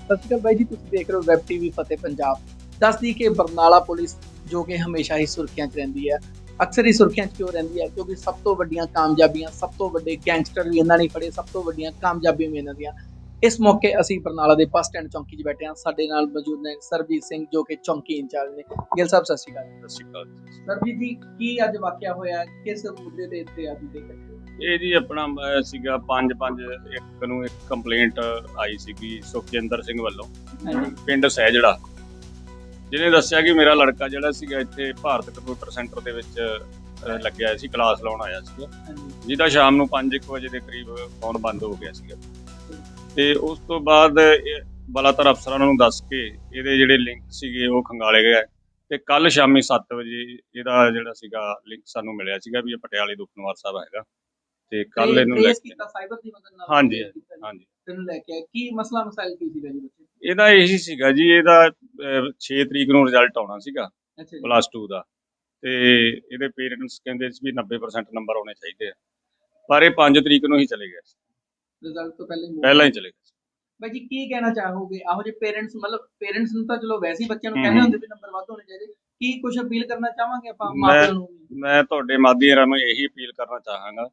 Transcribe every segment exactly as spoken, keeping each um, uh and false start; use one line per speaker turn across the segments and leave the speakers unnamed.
ਸਤਿ ਸ਼੍ਰੀ ਅਕਾਲ ਬਾਈ ਜੀ, ਤੁਸੀਂ ਦੇਖ ਰਹੇ ਹੋ ਵੈਬ ਟੀਵੀ ਫਤਿਹ ਪੰਜਾਬ। ਦੱਸਦੀ ਕਿ ਬਰਨਾਲਾ ਪੁਲਿਸ ਜੋ ਕਿ ਹਮੇਸ਼ਾ ਹੀ ਸੁਰਖੀਆਂ 'ਚ ਰਹਿੰਦੀ ਹੈ, ਅਕਸਰ ਹੀ ਸੁਰਖੀਆਂ 'ਚ ਕਿਉਂ ਰਹਿੰਦੀ ਹੈ? ਕਿਉਂਕਿ ਸਭ ਤੋਂ ਵੱਡੀਆਂ ਕਾਮਯਾਬੀਆਂ, ਸਭ ਤੋਂ ਵੱਡੇ ਗੈਂਗਸਟਰ ਵੀ ਇਹਨਾਂ ਨੇ ਫੜੇ, ਸਭ ਤੋਂ ਵੱਡੀਆਂ ਕਾਮਯਾਬੀਆਂ ਵੀ ਇਹਨਾਂ ਦੀਆਂ। ਇਸ ਮੌਕੇ ਅਸੀਂ ਬਰਨਾਲਾ ਦੇ ਬੱਸ ਸਟੈਂਡ ਚੌਂਕੀ 'ਚ ਬੈਠੇ ਹਾਂ। ਸਾਡੇ ਨਾਲ ਮੌਜੂਦ ਨੇ ਸਰਬਜੀਤ ਸਿੰਘ ਜੋ ਕਿ ਚੌਂਕੀ ਇੰਚਾਰਜ ਨੇ। ਗਿੱਲ ਸਾਹਿਬ ਸਤਿ ਸ਼੍ਰੀ ਅਕਾਲ।
ਸਤਿ ਸ਼੍ਰੀ ਅਕਾਲ।
ਸਰਬਜੀਤ ਜੀ, ਕੀ ਅੱਜ ਵਾਕਿਆ ਹੋਇਆ, ਕਿਸ ਮੁੱਦੇ ਤੇ ਇੱਥੇ ਅੱਜ ਦੇ
ਇਹ ਜੀ ਆਪਣਾ ਅਹ, ਸੀਗਾ ਪੰਜ ਪੰਜ ਇੱਕ ਨੂੰ ਇੱਕ ਕੰਪਲੇਂਟ ਆਈ ਸੀਗੀ ਸੁਖਜਿੰਦਰ ਸਿੰਘ ਵੱਲੋਂ, ਪਿੰਡ ਸਹਿਜੜਾ, ਜਿਹਨੇ ਦੱਸਿਆ ਕਿ ਮੇਰਾ ਲੜਕਾ ਜਿਹੜਾ ਸੀਗਾ ਇੱਥੇ ਭਾਰਤ ਕੰਪਿਊਟਰ ਸੈਂਟਰ ਦੇ ਵਿੱਚ ਅਹ, ਲੱਗਿਆ ਸੀ, ਕਲਾਸ ਲਾਉਣ ਆਇਆ ਸੀਗਾ, ਜਿਹਦਾ ਸ਼ਾਮ ਨੂੰ ਪੰਜ ਇੱਕ ਵਜੇ ਦੇ ਕਰੀਬ ਫੋਨ ਬੰਦ ਹੋ ਗਿਆ ਸੀਗਾ। ਤੇ ਉਸ ਤੋਂ ਬਾਅਦ ਬਲਾਤਰ ਅਫਸਰਾਂ ਨੂੰ ਦੱਸ ਕੇ ਇਹਦੇ ਜਿਹੜੇ ਲਿੰਕ ਸੀਗੇ ਉਹ ਖੰਗਾਲੇ ਗਏ। ਤੇ ਕੱਲ ਸ਼ਾਮੀ ਸੱਤ ਵਜੇ ਇਹਦਾ ਜਿਹੜਾ ਸੀਗਾ ਲਿੰਕ ਸਾਨੂੰ ਮਿਲਿਆ ਸੀਗਾ ਵੀ ਇਹ ਪਟਿਆਲੇ ਦੁਖਨਿਵਾਰ ਸਾਹਿਬ ਹੈਗਾ। ਤੇ ਕੱਲ ਇਹਨੂੰ ਲੈ ਕੇ
ਸਾਈਬਰ ਦੀ ਮਦਦ ਨਾਲ
ਹਾਂਜੀ ਹਾਂਜੀ
ਤੈਨੂੰ ਲੈ ਕੇ ਕੀ ਮਸਲਾ ਮਸਾਇਲ ਕੀ ਸੀਗਾ ਜੀ ਬੱਚੇ?
ਇਹਦਾ ਇਹੀ ਸੀਗਾ ਜੀ, ਇਹਦਾ ਛੇ ਤਰੀਕ ਨੂੰ ਰਿਜ਼ਲਟ ਆਉਣਾ ਸੀਗਾ ਪਲੱਸ ਟੂ ਦਾ, ਤੇ ਇਹਦੇ ਪੇਰੈਂਟਸ ਕਹਿੰਦੇ ਸੀ ਵੀ ਨੱਬੇ ਪਰਸੈਂਟ ਨੰਬਰ ਆਉਣੇ ਚਾਹੀਦੇ ਆ, ਪਰ ਇਹ ਪੰਜ ਤਰੀਕ ਨੂੰ ਹੀ ਚਲੇ ਗਏ ਸੀ,
ਰਿਜ਼ਲਟ ਤੋਂ ਪਹਿਲਾਂ ਹੀ
ਪਹਿਲਾਂ ਹੀ ਚਲੇ ਗਏ।
ਬਾਈ ਜੀ ਕੀ ਕਹਿਣਾ ਚਾਹੋਗੇ ਇਹੋ ਜਿਹੇ ਪੇਰੈਂਟਸ, ਮਤਲਬ ਪੇਰੈਂਟਸ ਨੂੰ ਤਾਂ ਚਲੋ ਵੈਸੇ ਹੀ ਬੱਚਿਆਂ ਨੂੰ ਕਹਿੰਦੇ ਹੁੰਦੇ ਵੀ ਨੰਬਰ ਵੱਧ ਹੋਣੇ ਚਾਹੀਦੇ, ਕੀ ਕੁਝ ਅਪੀਲ ਕਰਨਾ ਚਾਹਾਂਗੇ ਆਪਾਂ ਮਾਪਿਆਂ ਨੂੰ?
ਮੈਂ ਤੁਹਾਡੇ ਮਾਧਿਅਮ ਰਾਹੀਂ ਇਹੀ ਅਪੀਲ ਕਰਨਾ ਚਾਹਾਂਗਾ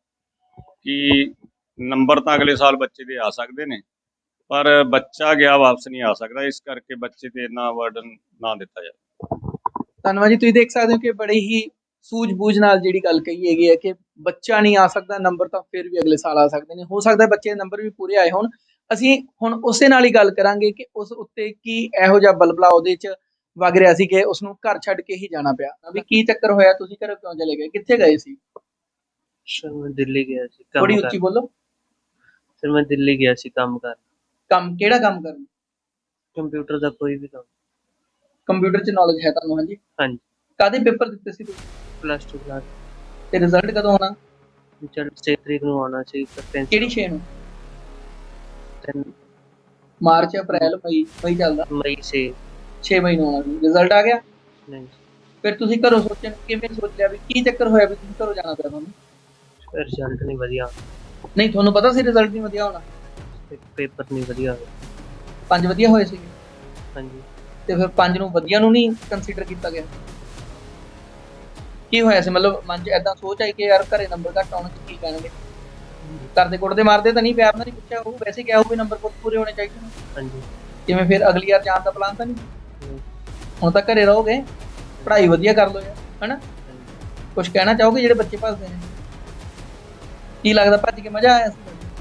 ਕਿ ਨੰਬਰ ਤਾਂ ਅਗਲੇ ਸਾਲ ਬੱਚੇ ਦੇ ਆ ਸਕਦੇ ਨੇ, ਪਰ ਬੱਚਾ ਗਿਆ ਵਾਪਸ ਨਹੀਂ ਆ ਸਕਦਾ, ਇਸ ਕਰਕੇ ਬੱਚੇ ਤੇ ਇੰਨਾ ਬਰਡਨ ਨਾ ਦਿੱਤਾ ਜਾਵੇ।
ਧੰਨਵਾਦ ਜੀ। ਤੁਸੀਂ ਦੇਖ ਸਕਦੇ ਹੋ ਕਿ ਬੜੇ ਹੀ ਸੂਝ-ਬੂਝ ਨਾਲ ਜਿਹੜੀ ਗੱਲ ਕਹੀ ਹੈਗੀ ਹੈ ਕਿ ਬੱਚਾ ਨਹੀਂ ਆ ਸਕਦਾ, ਨੰਬਰ ਤਾਂ ਫਿਰ ਵੀ ਅਗਲੇ ਸਾਲ ਆ ਸਕਦੇ ਨੇ। ਹੋ ਸਕਦਾ ਬੱਚੇ ਦੇ ਨੰਬਰ ਵੀ ਪੂਰੇ ਆਏ ਹੋਣ। ਅਸੀਂ ਹੁਣ ਉਸੇ ਨਾਲ ਹੀ ਗੱਲ ਕਰਾਂਗੇ ਕਿ ਉਸ ਉੱਤੇ ਕੀ ਇਹੋ ਜਿਹਾ ਬਲਬਲਾ ਉਹਦੇ 'ਚ ਵਗ ਰਿਹਾ ਸੀ ਕਿ ਉਸਨੂੰ ਘਰ ਛੱਡ ਕੇ ਹੀ ਜਾਣਾ ਪਿਆ। ਵੀ ਕੀ ਚੱਕਰ ਹੋਇਆ, ਤੁਸੀਂ ਘਰੋਂ ਕਿਉਂ ਚਲੇ ਗਏ, ਕਿੱਥੇ ਗਏ ਸੀ?
ਸਰ ਮੈਂ ਦਿੱਲੀ ਗਿਆ ਸੀ ਕੰਮ
ਥੋੜੀ
ਕਰਨ।
ਉੱਚੀ ਬੋਲੋ।
ਸਰ ਮੈਂ ਦਿੱਲੀ ਗਿਆ ਸੀ ਕੰਮ ਕਰਨ।
ਕੰਮ ਕਿਹੜਾ ਕੰਮ ਕਰਨ?
ਕੰਪਿਊਟਰ ਦਾ ਕੋਈ ਵੀ ਕੰਮ।
ਕੰਪਿਊਟਰ 'ਚ ਨੌਲੇਜ ਹੈ ਤੁਹਾਨੂੰ? ਹਾਂਜੀ
ਹਾਂਜੀ।
ਕਾਹਦੇ ਪੇਪਰ ਦਿੱਤੇ ਸੀ ਤੁਸੀਂ?
Plus two class.
ਤੇ ਰਿਜ਼ਲਟ ਕਦੋਂ ਆਉਣਾ?
ਚਲ ਛੇ ਤਰੀਕ ਨੂੰ ਆਉਣਾ ਸੀ।
ਕਿਹੜੀ ਛੇ ਨੂੰ? ਮਾਰਚ, ਅਪ੍ਰੈਲ, ਮਈ? ਮਈ ਚੱਲਦਾ।
ਮਈ ਛੇ
ਛੇ ਮਈ ਨੂੰ ਆਉਣਾ ਸੀ। ਰਿਜ਼ਲਟ ਆ ਗਿਆ?
ਨਹੀਂ।
ਫਿਰ ਤੁਸੀਂ ਘਰੋਂ ਸੋਚਣ ਕਿਵੇਂ ਸੋਚ ਲਿਆ ਵੀ ਕੀ ਚੱਕਰ ਹੋਇਆ ਵੀ ਤੁਸੀਂ ਘਰੋਂ ਜਾਣਾ ਪਿਆ ਤੁਹਾਨੂੰ?
ਰਿਜ਼ਲਟ ਨਹੀਂ ਵਧੀਆ,
ਨਹੀਂ ਤੁਹਾਨੂੰ ਪਤਾ ਸੀ ਰਿਜ਼ਲਟ ਨਹੀਂ ਵਧੀਆ ਹੋਣਾ?
ਪੇਪਰ ਨਹੀਂ ਵਧੀਆ ਹੋਇਆ।
ਪੰਜ ਵਧੀਆ ਹੋਏ ਸੀਗੇ?
ਹਾਂਜੀ।
ਤੇ ਫਿਰ ਪੰਜ ਨੂੰ ਵਧੀਆ ਨੂੰ ਨਹੀਂ ਕੰਸੀਡਰ ਕੀਤਾ ਗਿਆ? ਕੀ ਹੋਇਆ ਸੀ, ਮਤਲਬ ਮਨ 'ਚ ਏਦਾਂ ਸੋਚ ਆਈ ਕਿ ਯਾਰ ਘਰੇ ਨੰਬਰ ਘੱਟ ਆਉਣ 'ਚ ਕੀ ਕਹਿਣਗੇ? ਕਰਦੇ ਕੁੱਟਦੇ ਮਾਰਦੇ ਤਾਂ ਨਹੀਂ, ਪਿਆਰ ਨਾਲ ਨਹੀਂ ਪੁੱਛਿਆ? ਉਹ ਵੈਸੇ ਕਿਹਾ ਹੋਵੇ ਨੰਬਰ ਪੂਰੇ ਹੋਣੇ ਚਾਹੀਦੇ ਨੇ।
ਹਾਂਜੀ।
ਕਿਵੇਂ ਫਿਰ ਅਗਲੀ ਵਾਰ ਜਾਣ ਦਾ ਪਲਾਨ ਤਾਂ ਨਹੀਂ? ਹੁਣ ਤਾਂ ਘਰੇ ਰਹੋਗੇ, ਪੜ੍ਹਾਈ ਵਧੀਆ ਕਰ ਲਓ ਯਾਰ, ਹਨਾ? ਕੁਝ ਕਹਿਣਾ ਚਾਹੋਗੇ ਜਿਹੜੇ ਬੱਚੇ ਭੱਜਦੇ ਨੇ? ਕੀ ਲੱਗਦਾ ਭੱਜ ਕੇ ਮਜ਼ਾ ਆਇਆ ਸੀ?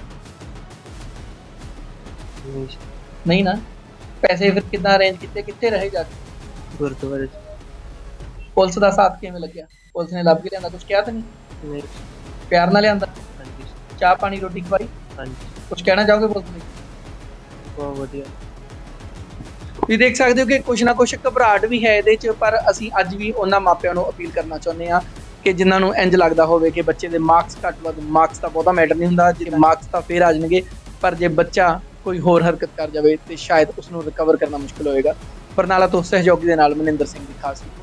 ਨਹੀਂ ਨਾ। ਪੈਸੇ ਫਿਰ ਕਿੱਦਾਂ ਅਰੇਂਜ ਕੀਤੇ, ਕਿੱਥੇ ਰਹੇ ਜਾ ਕੇ?
ਗੁਰਦੁਆਰੇ।
ਪੁਲਿਸ ਦਾ ਸਾਥ ਕਿਵੇਂ ਲੱਗਿਆ? ਪੁਲਿਸ ਨੇ ਲੱਭ ਕੇ ਲਿਆਂਦਾ, ਕੁਝ ਕਿਹਾ ਤਾਂ ਨਹੀਂ?
ਨਹੀਂ।
ਪਿਆਰ ਨਾਲ ਲਿਆਂਦਾ?
ਹਾਂਜੀ।
ਚਾਹ ਪਾਣੀ ਰੋਟੀ ਖਵਾਈ?
ਹਾਂਜੀ।
ਕੁਝ ਕਹਿਣਾ ਚਾਹੋਗੇ ਪੁਲਿਸ ਨੂੰ?
ਬਹੁਤ ਵਧੀਆ।
ਤੁਸੀਂ ਦੇਖ ਸਕਦੇ ਹੋ ਕਿ ਕੁਛ ਨਾ ਕੁਛ ਘਬਰਾਹਟ ਵੀ ਹੈ ਇਹਦੇ 'ਚ, ਪਰ ਅਸੀਂ ਅੱਜ ਵੀ ਉਹਨਾਂ ਮਾਪਿਆਂ ਨੂੰ ਅਪੀਲ ਕਰਨਾ ਚਾਹੁੰਦੇ ਹਾਂ ਕਿ ਜਿਨ੍ਹਾਂ ਨੂੰ ਇੰਝ ਲੱਗਦਾ ਹੋਵੇ ਕਿ ਬੱਚੇ ਦੇ ਮਾਰਕਸ ਘੱਟ ਵੱਧ, ਮਾਰਕਸ ਤਾਂ ਬਹੁਤਾ ਮੈਟਰ ਨਹੀਂ ਹੁੰਦਾ, ਜੇ ਮਾਰਕਸ ਤਾਂ ਫਿਰ ਆ ਜਾਣਗੇ, ਪਰ ਜੇ ਬੱਚਾ ਕੋਈ ਹੋਰ ਹਰਕਤ ਕਰ ਜਾਵੇ ਤੇ ਸ਼ਾਇਦ ਉਸ ਨੂੰ ਰਿਕਵਰ ਕਰਨਾ ਮੁਸ਼ਕਿਲ ਹੋਏਗਾ। ਬਰਨਾਲਾ ਤੋਂ ਸਹਿਯੋਗੀ ਦੇ ਨਾਲ ਮਨਿੰਦਰ ਸਿੰਘ ਦੀ ਖਾਸ